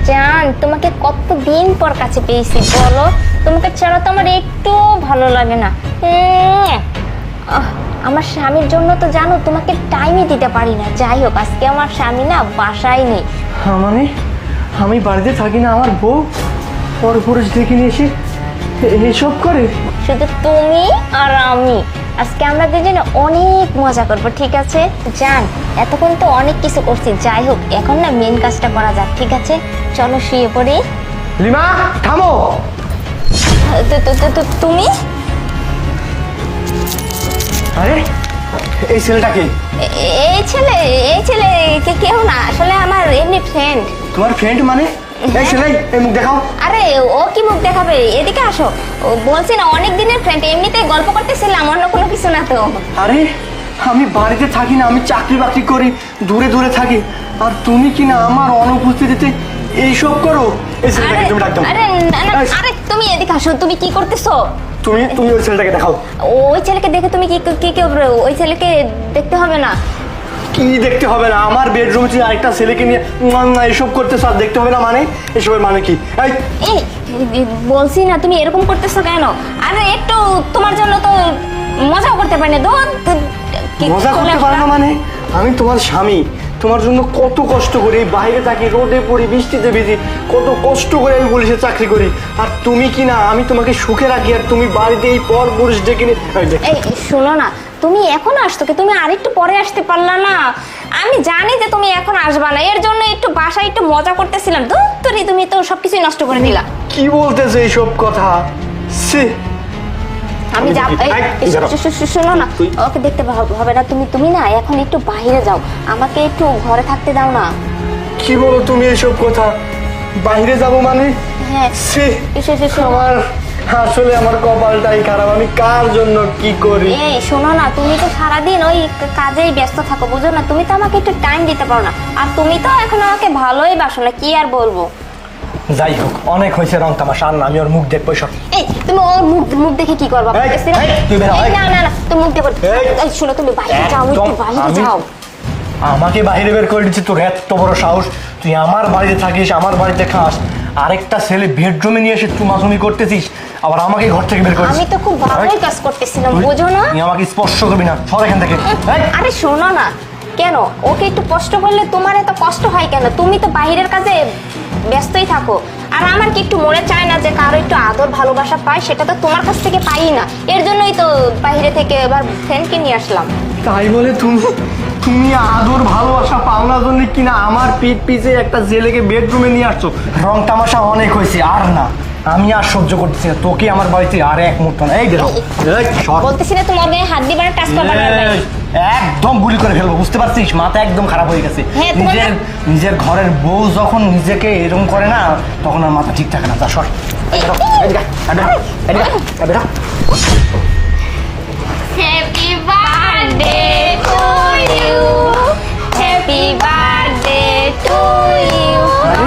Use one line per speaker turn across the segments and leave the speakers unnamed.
জান, তোমাকে কতদিন পর কাছে পেয়েছি বলো। তোমাকে ছাড়া তো আমার একটু ভালো লাগে না। আমার স্বামীর জন্য তো জানো তোমাকে টাইমই দিতে পারি না। যাই হোক, আজকে আমার স্বামী না বাসায় নেই।
মানে আমি বাড়িতে থাকি না, আমার বউ পরপুরুষ ডেকে নিয়ে এসে এইসব করে?
শুধু তুমি আর আমি। আজকে আমরা দুজনে অনেক মজা করবো, ঠিক আছে? জান, এতক্ষণ তো অনেক কিছু করছি। যাই হোক, এখন না মেন কাজটা করা যাক, ঠিক আছে? চলো শুয়ে পড়ি।
লিমা থামো।
তুমি?
আরে এই ছেলেটাকে?
এই ছেলে কেউ না, আসলে আমার এমনি ফ্রেন্ড।
তোমার ফ্রেন্ড মানে? এই ছেলে, এই মুখ দেখাও।
আরে ও কি মুখ দেখাবে, এদিকে আসো। ও বলছি না অনেক দিনের ফ্রেন্ড, এমনিতে গল্প করতেছিলাম, অন্য কোনো কিছু না তো।
আরে আমি বাড়িতে থাকি না, আমি চাকরি বাকরি করি, দূরে দূরে থাকি, আর তুমি কি না আমার অনুপস্থিতিতে এইসব করো? এই ছেলেটাকে তুমি ডাক দাও।
আরে না না, আরে তুমি এদিকে আসো। তুমি কি করতেছো?
তুমি ওই ছেলেটাকে দেখাও।
ওই ছেলেকে দেখে তুমি কি কি করবে? ওই ছেলেকে দেখতে হবে না।
কি দেখতে হবে না? আমার বেডরুম থেকে আরেকটা ছেলেকে নিয়ে এসব করতেছো আর দেখতে হবে না মানে? এসবের মানে কি?
এই বলছি না, তুমি এরকম করতেছো কেন? আরে একটু তোমার জন্য তো মজাও করতে পারি না।
মজা করতে পারো না মানে? আমি তোমার স্বামী, তোমার জন্য কত কষ্ট করি, বাইরে থাকি, রোদে পড়ি, বৃষ্টিতে ভিজি, কত কষ্ট করে আমি পুলিশে চাকরি করি, আর তুমি কি না আমি তোমাকে সুখে রাখি, আর তুমি বাড়িতে এই পর পুরুষ ডেকে নিয়ে।
এই শোনো না, তুমি এখন আসতো কি? তুমি আরেকটু পরে আসতে পারলা না? আমি জানি যে তুমি এখন আসবা না, এর জন্য একটু বাসায় একটু মজা করতেছিলাম। তুমি তো সবকিছু নষ্ট করে দিলা।
কি বলতেছে এইসব কথা?
আমি যাব। শোনো না, ওকে দেখতে হবে না। তুমি না এখন একটু বাইরে যাও, আমাকে একটু ঘরে থাকতে দাও না।
কি বলো তুমি এইসব কথা? বাইরে যাব মানে?
হ্যাঁ।
আমার আসলে আমার কপালটাই খারাপ, আমি কার জন্য কি করি?
এই শোনো না, তুমি তো সারাদিন ওই কাজেই ব্যস্ত থাকো, বুঝো না? তুমি তো আমাকে একটু টাইম দিতে পারো না, আর তুমি তো এখন আমাকে ভালোই বাসো না, কি আর বলবো।
যাই হোক, অনেক হয়েছে রং তামাশা, আর না আমি ওর মুখ দেখবো সব।
এই তুমি ওর মুখ দেখে কি করবা? না না না, তুমি মুখ দেখো। এই শোনো, তুমি বাইরে যাও, একটু বাইরে যাও।
আমাকে বাইরে বের করে দিচ্ছি? তোর এত বড় সাহস! তুই আমার বাড়িতে থাকিস, আমার বাড়িতে খাস, আরেকটা ছেলে বেডরুমে নিয়ে এসে চুমাচুমি করতেছিস, আবার আমাকে ঘর থেকে বের করিস।
আমি তো খুব ভালোই কাজ করতেছিলাম, বুঝো না?
তুই আমাকে স্পর্শ করবি না, সর এখান থেকে।
আরে শোনো না, কেন ওকে একটু কষ্ট করলে তোমার এত কষ্ট হয় কেন? তুমি তো বাইরের কাজে ব্যস্তই থাকো, আর আমার কি একটু মনে চায় না যে কারো একটু আদর ভালোবাসা পায়? সেটা তো তোমার কাছ থেকে পাই না, এর জন্যই তো বাইরে থেকে এবার ফ্রেন্ডকে নিয়ে আসলাম।
তাই বলে তুমি আদর ভালোবাসা পাওনার জন্য কিনা আমার পিঠ পিছে একটা ছেলেকে বেডরুমে নিয়ে আসছো? রং তামাশা অনেক হয়েছে, আর না, আমি আর সহ্য করতেছি না তোকে আমার বাড়িতে আর এক মুহূর্ত না। এই দেখো,
বলতেছি না তোমার গায়ে হাত দিবার টাচ করবার না।
একদম গুলি করে ফেলবো, বুঝতে পারছিস? মাথা একদম খারাপ হয়ে গেছে। নিজের ঘরের বউ যখন নিজেকে এরকম করে না, তখন আর মাথা ঠিক থাকে না। যা সর।
Happy birthday to you, happy birthday to you.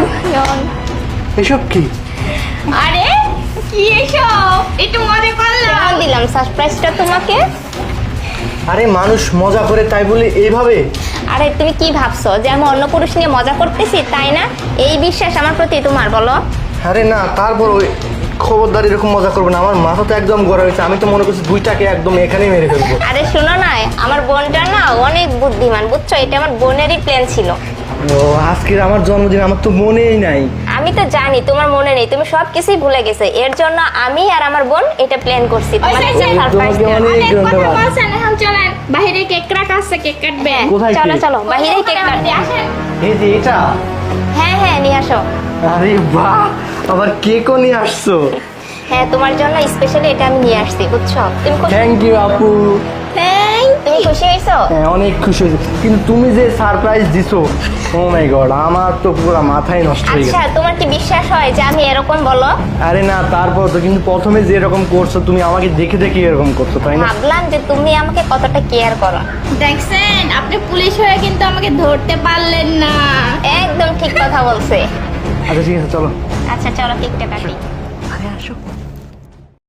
এসব কি?
আরে কি এসব? একটু মজা করলাম, দিলাম সারপ্রাইজটা তোমাকে।
আরে মানুষ মজা করে তাই বলে এইভাবে?
আরে তুমি কি ভাবছো যে আমি অন্য পুরুষ নিয়ে মজা করতেছি, তাই না? এই বিশ্বাস আমার প্রতি তোমার, বলো?
আরে না, তারপর ওই খবরদার এরকম মজা করবে না, আমার মাথা তো একদম গড়া হয়েছে, আমি তো মনে করছি দুইটাকে একদম এখানেই মেরে ফেলবো।
আরে শোনো না, আমার বোনটা না অনেক বুদ্ধিমান, বুঝছো? এটা আমার বোনেরই প্ল্যান ছিল।
ও আজকের আমার জন্মদিন, আমার তো মনেই নাই।
আমি তো জানি তোমার মনে নেই, তুমি সব কিছুই ভুলে গেছো, এর জন্য আমি আর আমার বোন এটা প্ল্যান করছি।
বাইরে কেক কাটা আছে, কেক কাটবে।
চলো চলো বাইরে কেক কাটবে।
এই যে এটা?
হ্যাঁ হ্যাঁ, নিয়ে আসো।
আরে বাহ, আবার কেকও নিয়ে আসছো?
হ্যাঁ, তোমার জন্য স্পেশালি এটা আমি নিয়ে আসছি, বুঝছো? তুমি
থ্যাংক ইউ আপু।
তুমি খুশি হয়েছো?
হ্যাঁ, অনেক খুশি হয়েছি, কিন্তু তুমি যে সারপ্রাইজ দিছো, ও মাই গড, আমার তো পুরো মাথায় নষ্ট হয়ে গেছে।
আচ্ছা, তোমার কি বিশ্বাস হয় যে আমি এরকম, বলো?
আরে না, তারপর তো কিন্তু প্রথমে যে এরকম করছো, তুমি আমাকে দেখে দেখে এরকম করছো, তাই না?
ভাবলাম যে তুমি আমাকে কতটা কেয়ার করো।
দেখছেন, আপনি পুলিশ হয়ে কিন্তু আমাকে ধরতে পারলেন না।
একদম ঠিক কথা বলছে।
আচ্ছা ঠিক আছে, চলো।
আচ্ছা চলো কেকটা কাটি।
আরে আসো।